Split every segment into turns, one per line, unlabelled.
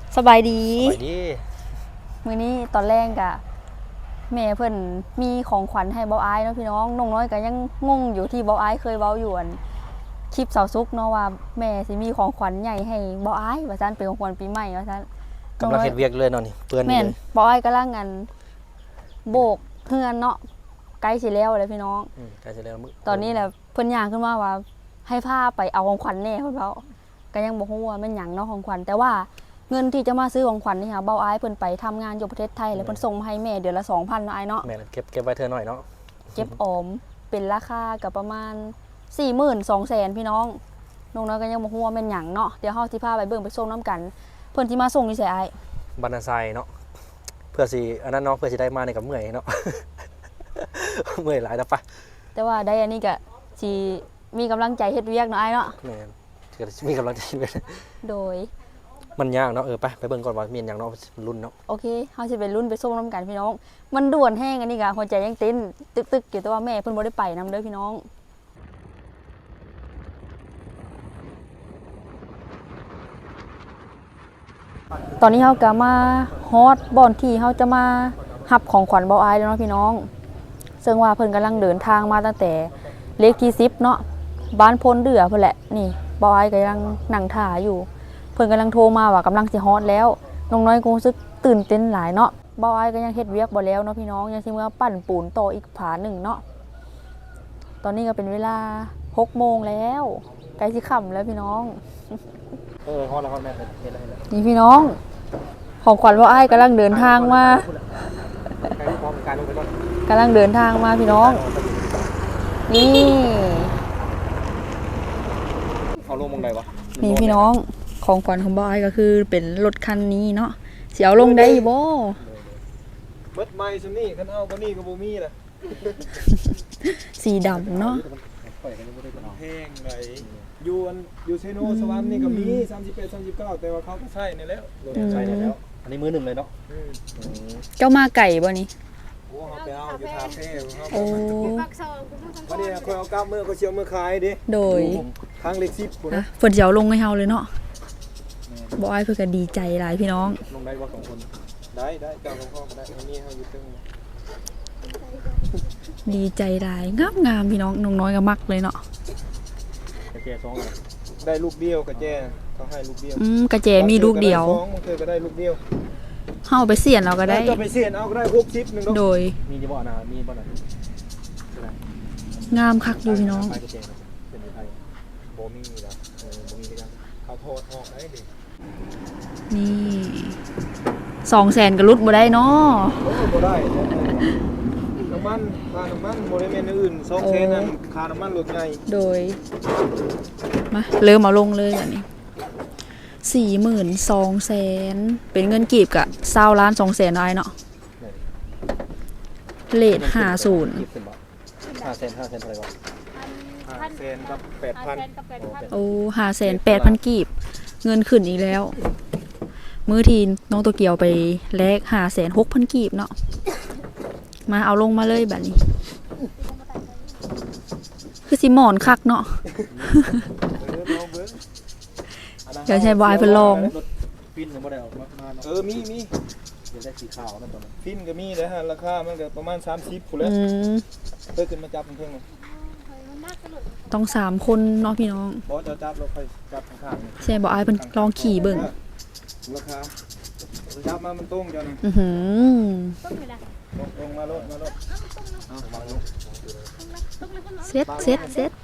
สบายดี
มื้
อนี้ตอนแรกกะแม่เพิ่นมีของขวัญให้เบาอ้ายเนาะพี่น้องน้องน้อยก็ยังงงอยู่ที่เบาอ้ายเคยเว้าอยู่อันคลิปเสาซุกเนาะว่าแม่สิมีของขวัญใหญ่ให้เบาอ้ายว่าซั่นเป็นของขวัญปีใหม่ว่าซั่น
กำลังเฮ็ดเวียกเลยเนาะนี่เปื้อน
แม่นเบาอ้ายกำลังอันโบกเฮือนเนาะใกล้สิแล้วเลยพี่น้อง
ใกล้สิแล้วมื้อ
ตอนนี้แหละเพิ่นย่างขึ้นมาว่าให้พาไปเอาของขวัญแน่เพิ่นเว้าก็ยังบ่ฮู้ว่าแม่นหยังเนาะของขวัญแต่ว่าเงินที่จะมาซื้อของขวัญนี่ค่ะเบาอ้ายเพิ่นไปทำงานอยู่ประเทศไทยแล้วเพิ่นส่งมาให้แม่เดือนละ 2,000 เนาะอ้ายเนาะ
แม่เก็บไว้เธอหน่อยเนาะ
เก็บออมเป็นราคาก็ประมาณ 42,000 พี่น้องน้องน้อยก็ยังบ่ฮู้ว่าแม่นหยังเนาะเดี๋ยวเฮาสิพาไปเบิ่งไปส่งนํกันเพิ่นสิมาส่งอยู่ไสอ้าย
บรรณาไซเนาะเพื่อสิอันนั้นเนาะเพื่อสิได้มาในกับเมื่อยเนาะ เมื่อยหลายแล้วปะ
แต่ว่าได้อันนี้ก็สิมีกำลังใจเฮ็ดเวียกเนาะอ้ายเนาะ
แม่ก็มีกำลังใจเว้ย
โดย
มันยากเนาะไปเบิ่งก่อนว่ามีหยังเนาะรุ่นเนาะ
โอเคเฮาสิไปรุ่นไปส่งนํกันพี่น้องมันด่วนแห้งอันนี้ก็หัวใจยังเต้นตึกๆอยู่แต่ว่าแม่เพิ่นบ่ได้ไปนํเด้อพี่น้องตอนนี้เฮาก็มาฮอดบ่อนที่เฮาจะมารับของขวัญเบาอ้ายแล้วเนาะพี่น้องซึ่งว่าเพิ่นกำลังเดินทางมาตั้งแต่เลขที่10เนาะบ้านพลเดือเพิ่นแหละนี่เบาอ้ายก็ยังนั่งท่าอยู่เพิ่นกำลังโทรมาว่ากำลังสิฮอดแล้วน้องน้อยก็รู้สึกตื่นเต้นหลายเนาะเบาอ้ายก็ยังเฮ็ดเวียกบ่แล้วเนาะพี่น้องยังสิมาปั้นปูนต่ออีกผาหนึ่งเนาะตอนนี้ก็เป็นเวลา 6 โมงแล้วใกล้สิค่ำแล้วพี่น้อง
ฮอดแล้วแม่เฮ็ดแล้ว
นี่พี่น้องของขวัญเบาอ้ายกำลังเดินทางมากำลังเดินทางมาพี่น้องนี่
เอาลงมองใดวะ
นี่พี่น้องของขวัญของบอยก็คือเป็นรถคันนี้เนาะเสียวลงได้บ่
เบิดไม้ซุนี่คันเอาบ่นี่ก็บ่มีล่ะ
สีดำเนาะ
แห้งไหนอยู่เซโนสวรรค์นี่ก็มี38 39แต่ว่าเขาก็ใช้นี่แล้ว
ใช้แล้วอันนี้มือหนึ่งเลยเนาะ
เจ้ามาไก่บ่นี่
โอ้เฮาไปเอาอยู่ทาเฟ่
โอ้
วันนี้ค่อยเอากลับมื้อก็เชียวมื้อขายดิ
โดย
ทางเล็ก10พุ่นนะ
เพิ่นสิเอาลงให้เฮาเลยเนาะบ่อ้ายเพิ่นก็ดีใจหลายพี่น้อง
ลงได้บ่2คนได้เจ้าของพ่อก็ได้อันนี้เฮาอยู่ตึง
ดีใจหลายงามพี่น้องน้องน้อยก็มักเลยเนาะ
กระเจ2อ่ะ
ได้ลูกเดียวกระเจเขาให้ลูกเดียว
กระเจมีลูกเดียว
มันเคยก็ได้ลูกเดียว
เฮาไปเสี่ยนเราก็ได้
จะไปเสี่ยนเอาก็ได้60นึง
โดย
มีบ่นะมีบ่นะ
งามคักอยู่พี่น้อง
เป็นไทยบ่มีแล้วบ่มีกันเขาโทษออกได้ดิ
นี่200,000ก็ลุดบ่ได้เนาะ
บ่ได้น้ำมันค่าน้ำมันบ่ได้แม่นอื่น200,000นั่นค่าน้ำมันรถใหญ่
โดยมาเริ่มเอาลงเลยบัดนี้42,000เป็นเงินกีบก็20,200,000ได้เนาะเลท50
500,000อะไรวะ
500,000กับ 8,000
โอ้508,000กีบเงินขึ้นอีกแล้วมื้อทีน้องโตเกียวไปแลก506,000กีบเนาะมาเอาลงมาเลยบัดนี้คือสิหมอนคักเนาะเดี๋ยวใช้บายเพิ่นลอง
ฟินบ่ได้ออกมา
มี
เดี๋ยวได้สีขาวนั่นตอนนั้น
ฟินก็มีนะฮะราคามันก็ประมาณ30พุ่นแหละเพิ่นขึ้นมาจับเพิ่น
ต้อง3คนเนาะพี่น้อง
บ่จะจับเราค่อยจับข้าง
ๆใช่บ่อายเพิ่นลองขี่เบิ่ง
ราคาจับมามันตรงจังตรงมาลด
เซ็ต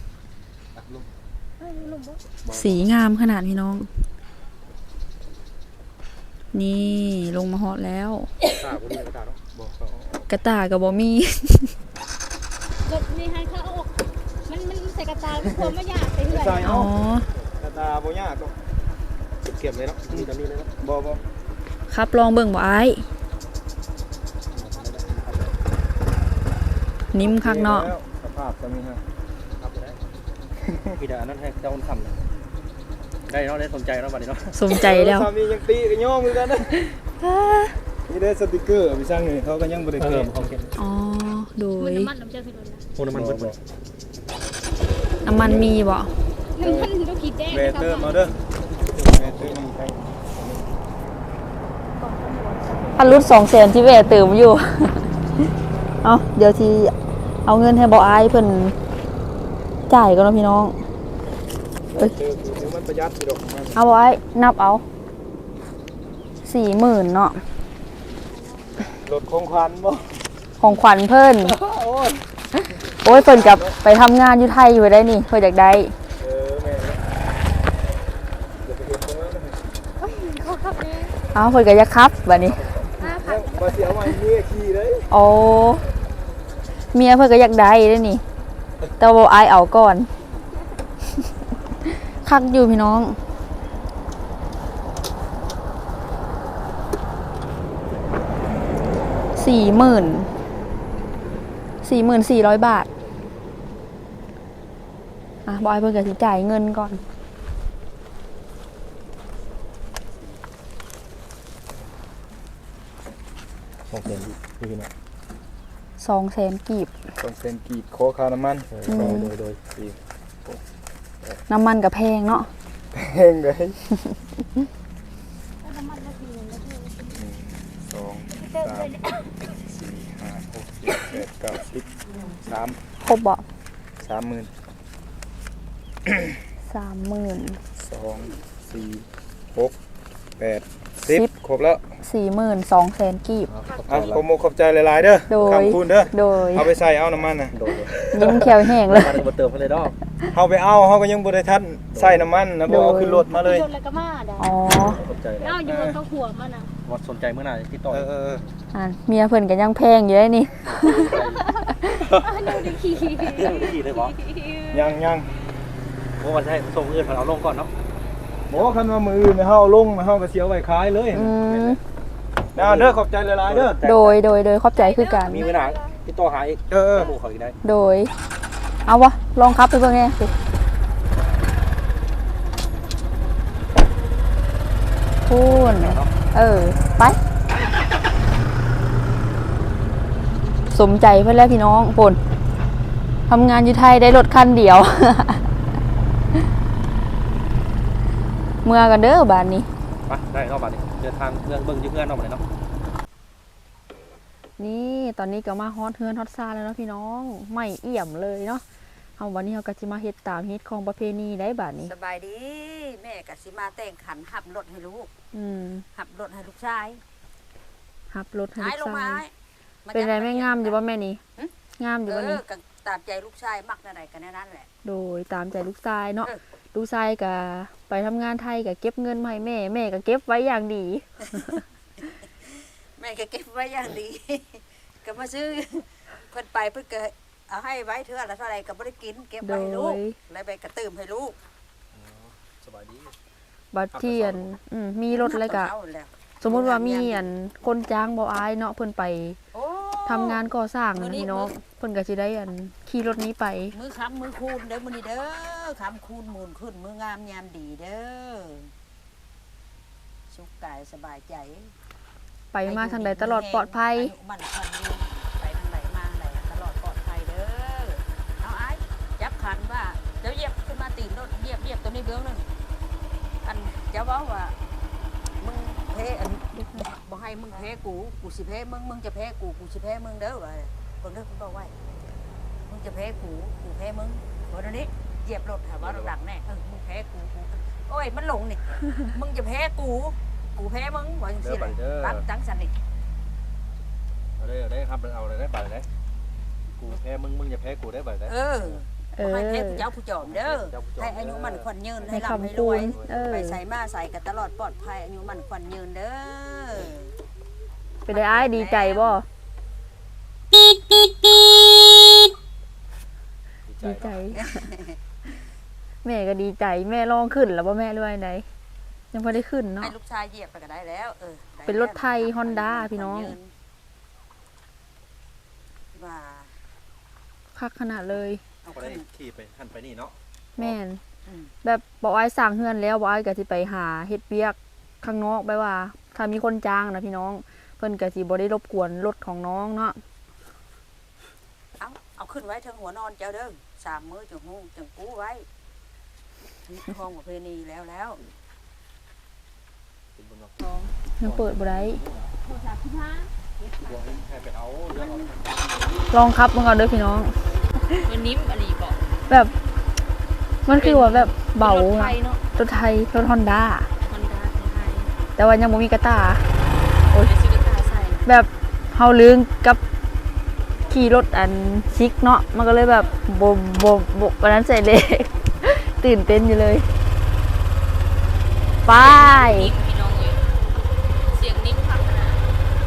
สีงามขนาดพี่น้องนี่ลงมาฮอดแล้วกระตากับบ่มี
รถนี่ให้เขาออกมันใส่กระตาทุกคนไม่ยากไปเรื่อย
อ๋
อกระตาบ่ยากก็เก็บเลยเนาะมีแต่มีเลยเนาะบ่
ครับลองเบิ่งบ่อ้ายนิ่มคักเนาะ
สภาพก็มีฮะ
ครับได้พี่ดานั่นให้เจ้าคนทำได้เนาะได้สนใจเนาะบัดนี้เนาะ
สนใจแล้ว
สามียังตีกันย่อมือกันนะนี่ได้สติกเกอร์ไปสร้างนี่เขาก็ยังบ่ได้เก็บ
อ๋อโดย
น้ำมันน้ำเชื่อสิโดน
นะน้ำมันเบิด
น้ำมันมีบ่
น้ำมันต้องคิดแจ้ง
เวเตอร์มาเด้อเวเตอร์มีใคร
พันรุด200,000ที่แวะเติมอยู่ เอาเดี๋ยวที่เอาเงินให้บ่อายเพิ่นจ่ายก่อนเนาะพี่น้อง
เดี๋ยวมันประหยัดอยู่ดอกมัน
เอาบ่อายนับเอา 40,000เนาะ
รถคงควันบ่
ของขวัญเพิ่น
โอ้ย
โอ้ยเพิ่นกลับไปทำงานอยู่ไทยอยู่ได้นี่เพิ่นอยากได้
แม่เดี๋ยวไปเฮ็ดตรงนั้นนะ
เขาขับเอง
เอาเพิ่นก็อยากขับบัดนี้
ยังบ่สิเอาไว้เมียขี่เลย
โอ้เมียเพิ่นก็อยากได้เด้นี่ แต่ว่าบ่อายเอาก่อน คักอยู่พี่น้อง 44,400 บาท อ่ะบอยเพิ่นก็สิจ่ายเงินก่อน
200,000พี่น้อง
200,000 กีบ
200,000กีบขอค่าน้ำมันโดยดี
น้ำมันก็แพงเนาะ
แพงเลย
น้ำมันละทีนึงนะพี่
2 3 4 5 6 7 8 9 10 3
ครบบ่
30,000
30,000
2 4 6 8 10ครบแล้ว
42,000 กีบ
เอาขอบคุณขอบใจหลายๆเด้อ
โดย
คำคุณเด้อ
โดย
เอาไปใส่เอาน้ำมันน่ะ
โดย
ยิ้มแขวแห้งเลย
มันบ่เติมให้เลยดอก
เฮาไปเอาเฮาก็ยังบ่ได้ทันใส่น้ำมันนะบ่เอาขึ้นรถมาเลย
โดนอะไรก็มาได้
อ๋อ
สนใจ
เอาอยู่บนเขาหัวมันอ่ะ
ว่าสนใจเมื่อไหร่ติดต่อ
เออ
อ่ะเมียเพิ่นก็ยังแพงอยู่ได้นี่
อันนี้ได้ขี่
เรื่องที่เลยบ่
ยัง
เพราะว่าจะให้ส่งเงินเอาลงก่อนเนาะ
บ่คันว่ามืออื่นเฮาลงเฮาก็เสียไว้ขายเลย
อืม
นะเด้อขอบใจหลายๆเด้อ
โดยขอบใจคือกัน
มีเวลาติดต่อหาอีก
เออ
หมู่เขาอีกได้
โดย เอาวะ ลองขับไปเบิ่งแหน่สิพูนไป สมใจเพื่อนแล้วพี่น้องปนทำงานอยู่ไทยได้รถคันเดียว เมื่อกันเด้อบ้านนี้
ไปได้รอบบัดนี้เดินทางเรื่องเบิ่งอยู่เพื่อนเนาะบัดนี้เนาะ
นี่ตอนนี้ก็มาฮอดเฮือนฮอดซาแล้วเนาะพี่น้องไม่เอี่ยมเลยเนาะเอาวันนี้เราก็จะมาเฮ็ดตามเฮ็ดของประเพณีได้บาดนี้
สบายดี แม่กสิมาแต่งขันหับรถให้ลูก
อืม
หับรถให้ลูกชาย
ฮับรถให้
หายล
ลู
ง
ก
มา
ชายเป็นไรไม่งามอยู่บ่แม่นี่งามอยู่บ่นี่
ก็ตามใจลูกชายมักอะไรกันนั่นแหละ
โดยตามใจลูกชายเนาะ
เออ
ลูกชายก็ไปทำงานไทยก็เก็บเงินมาให้แม่แม่ก็เก็บไว้อย่างดี
แม่ก็เก็บไว้อย่างดี ก็มาซื้อเพิ่นไปเพิ่นก็เอาให้ไว้เท่าละเท่าไรก็บ่ได้กินเก็บไว้ให้ลูก
โดย
แล้วไปกระตืมให้ลูก
สบายดี
บัดเทียนมีรถอะไรก็
เอาแล้ว
สมมุติว่ามีคนจ้างบ่อายเนาะเพิ่นไป
โอ้
ทำงานก่อสร้างนั่นพี่น้องเพิ่นก็สิได้ขี่รถนี้ไป
มือค้ำมือคูณเด้อมื้อนี้เด้อค้ำคูณมูลขึ้นมืองามยามดีเด้อสุขกายสบายใจ
ไปมาทางใดตลอดปลอดภัย
อายุมันควันยืนไปทางไหนมาไหนตลอดปลอดภัยเด้อเอาไอ้จับขันว่าเดี๋ยวเหยียบขึ้นมาตีนรถเหยียบตัวนี้เบื้องหนึงอันจะเว้าว่ามึงแพ้อันบ่ให้มึงแพ้กูสิแพ้มึงจะแพ้กูสิแพ้มึงเด้อว่าคนเด้อคุณบอกไว้มึงจะแพ้กูแพ้มึงวันนี้เหยียบรถถามว่าหลังแน่มึงแพ้กูโอ้ยมันหลงนี่มึงจะแพ้กูแพ้มึงว่าจังซี่แหละตั้งจังสันนี่
เอาได้ครับเอาเลยได้บัดได้กูแพ้มึงอย่าแพ้กูได้บัดได้
ให้เทพเจ้าผู้จอมเด้อให้อายุมันขวัญยืนให้ร่ำให้รวยไปใส่มาใส่กันตลอดปลอดภัยอายุมันขวัญยืนเด้อ
เป็นได้อ้ายดีใจบ่ดีใจ แม่ก็ดีใจแม่ลองขึ้นแล้วบ่แม่ด้วยไหนยังพอได้ขึ้นเนาะ
ให้ลูกชายเหยียบไปก็ได้แล้ว
เป็นรถไทย Honda พี่น้อง
ว่า
คักขนาดเลย
เอา
ก็ได้
ขึ้น
ขี่ไปหันไปนี่เนาะ
แม่นแบบบอกอ้ายสร้างเฮือนแล้วบอกอ้ายก็สิไปหาเฮ็ดเวียกข้างนอกไปว่า ถ้ามีคนจ้างนะพี่น้องเพิ่นก็สิบ่ได้รบกวนรถของน้องเนาะ
เอาขึ้นไว้ถึงหัวนอนเจ้าเด้อ3 มื้อจังฮู้จังกู้ไว้นี่ห้องประเพณีแล้ว
เป็นบนว่า
ยังเปิดบ่ได้
โทรศัพท์ที่ผ้า
บอกให้ไปเอาเดี๋ยวเอา
ลองขับมันก่อนเด้อพี่น้อง
มันนิ่มอะไรบอก
แบบมันคือว่าแบบเบาร
ถไฟเนาะ
รถไทยรถฮอนด้า
ฮอนด้าของไทย
แต่ว่ายังบ่มีกระตา
เดี๋ยวซื้อกระตายใส่
แบบเฮาลืงกับขี่รถอันชิกเนาะมันก็เลยแบบบวันนั้นใส่เลข ตื่นเต้นอยู่เลยไป
นิ่มพี่น้องเลยเสียงนิ่มพักขนาด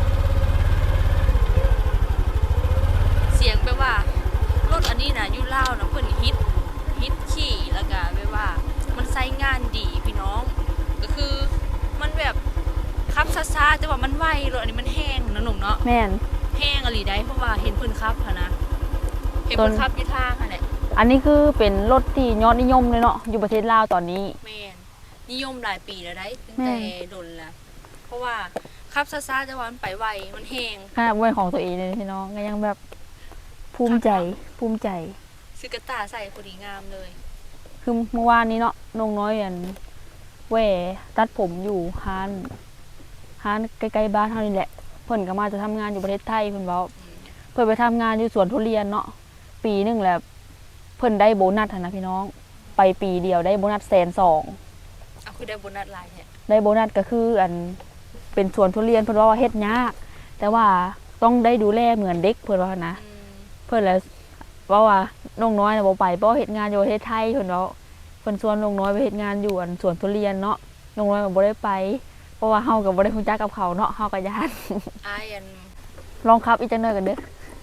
เสียงแปลว่ารถอันนี้นะอยู่ลาวนะเพิ่นฮิตขี่แล้วก็แปลว่ามันใช้งานดีพี่น้อง ก็คือมันแบบขับช้าๆแต่ว่ามันไวรถอันนี้มันแห้งนะหนุ่มเนาะ
แม่น
แห้งอะไรได้เพราะว่าเห็นเพิ่นขับค่ะนะเห็นเพิ่นขับอยู่ทางค่ะแหละ
อันนี้คือเป็นรถที่ยอดนิยมเลยเนาะอยู่ประเทศลาวตอนนี้
แม่นนิยมหลายปีแล้วได้ตั้ง
แม่
แต่
น
ดนละเพราะว่าขับช้าๆแต่ว่ามันไปไวมันแห้ง
ขนาดเป็นของตัวเองเลยพี่น้องก็ยังแบบภูมิใจ
ซื้อกระตาใส่พอดีงามเลย
คือเมื่อวานนี้เนาะน้องน้อยอันแหวตัดผมอยู่ร้านใกล้ๆบ้านเฮานี่แหละเพิ่นก็มาจะทำงานอยู่ประเทศไทยเพิ่นเว้าเพิ่นไปทำงานอยู่สวนทุเรียนเนาะปีหนึงแล้วเพิ่นได้โบนัสหั้นนะพี่น้อง ไปปีเดียวได้โบนัส120,000
เอาคือได้โบนัสหลายแท้
ได้โบนัสก็คืออันเป็นสวนทุเรียนเพิ่นว่าเฮ็ดยาก แต่ว่าต้องได้ดูแลเหมือนเด็กเพิ่นว่านะ
อืม
เพิ่นแล้วว่าน้องน้อยน่ะบ่ไปเพราะเฮ็ดงานอยู่ประเทศไทยเพิ่นเว้าเพิ่นชวนน้องน้อยไปเฮ็ดงานอยู่อันสวนทุเรียนเนาะน้องน้อยก็บ่ได้ไปเพราะว่าเฮาก็บ่ได้รู้จักกับเขาเนาะเฮาก็ย้าน
อายอัน
ลองขับอีกจังหน่อยกันเด้อ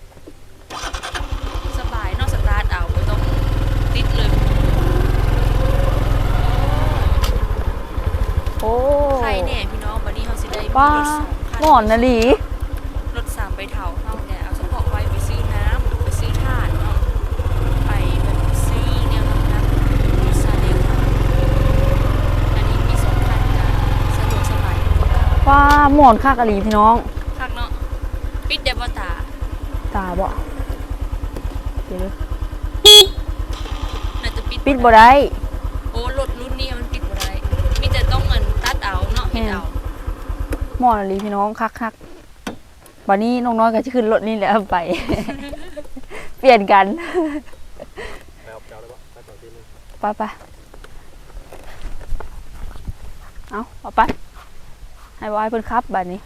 สบายเนอกสตาร์ทเอาบ่ต้องติดเลย
โอ้
ใครแน่พี่น้องวันนี้เฮาสิได้มี
ป้าร
ถสองคัน
หมอนน่ะหลี
รถ3ใบเถาเฮาเนี่ยเอาเฉพาะไว้ไปซื้อน้ำไปซื้อถ่านเนาะไปแบบซื้อแนวน้ำรถซาเล้งค่ะอันนี้มี2คันจ้ะสะดวกสบายกว่าเก่า
ป้าหมอนคักอะหลีพี่น้อง
คักเนาะปิดได้บ่ตา
ตาบ่เดี๋ยว
น่าจะปิด
ปิดบ่ได้
โอ้รถรุ่นนี้มันปิดบ่ได้มีแต่ต้องเงินตัดเอาเนาะเฮ็ดเอา
หมอนอะหลีพี่น้องคักๆบัดนี้น้องน้อยก็สิขึ้นรถนี่แหละไป เปลี่ยนกัน
ไปเอาได้ปะไปต่อทีนึง
ไปเอาไปให้บอยเพิ่นขับบัดนี้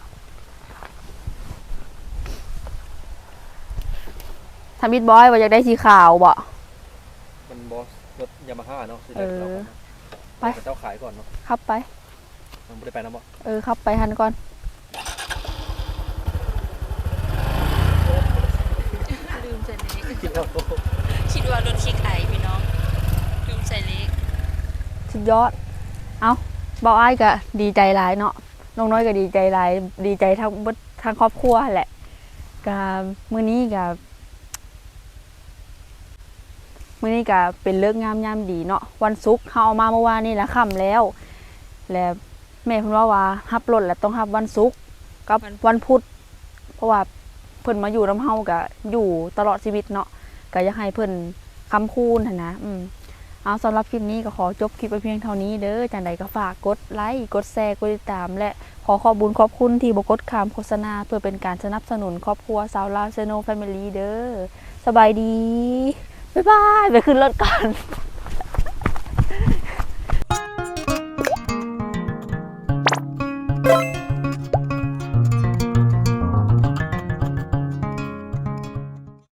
ทำบิดบอยว่าอยากได้สีขาวบ่
มันบอสรถยามาฮ่าเนาะสิ
เออ
ไปเจ้าขายก่อนเนาะ
ขับไป
มันไม่ได้ไปนะบ่
ขับไปหันก่อน
ลืมใส่เล็ก
คิดว่าโอ้
คิดว่ารถคิกไอพี่น้องลืมใส่เล็ก
สุดยอดเอาเบาอ้ายก็ดีใจหลายเนาะน้องน้อยก็ดีใจหลายดีใจทั้งเบิดทั้งครอบครัวแหละก็มื้อนี้ก็เป็นเลิกษ์งามยามดีเนาะวันศุกร์เฮาเอามาเมื่อวานนี่ละค่ำแล้ว แล้วแม่เพิ่นว่าฮับรถแล้วต้องฮับวันศุกร์กับวันพุธเพราะว่าเพิ่นมาอยู่นำเฮาก็อยู่ตลอดชีวิตเนาะก็อยากให้เพิ่นค้ำคูณหั่นนะเอาสำหรับคลิปนี้ก็ขอจบคลิปไปเพียงเท่านี้เด้อจังใดก็ฝากกดไลค์กดแชร์กดติดตามและขอขอบคุณขอบคุณที่บ่กดข้ามโฆษณาเพื่อเป็นการสนับสนุนครอบครัวสาวลาวเซโนแฟมิลี่เด้อสบายดีบ๊ายบายไปขึ้นรถก่อน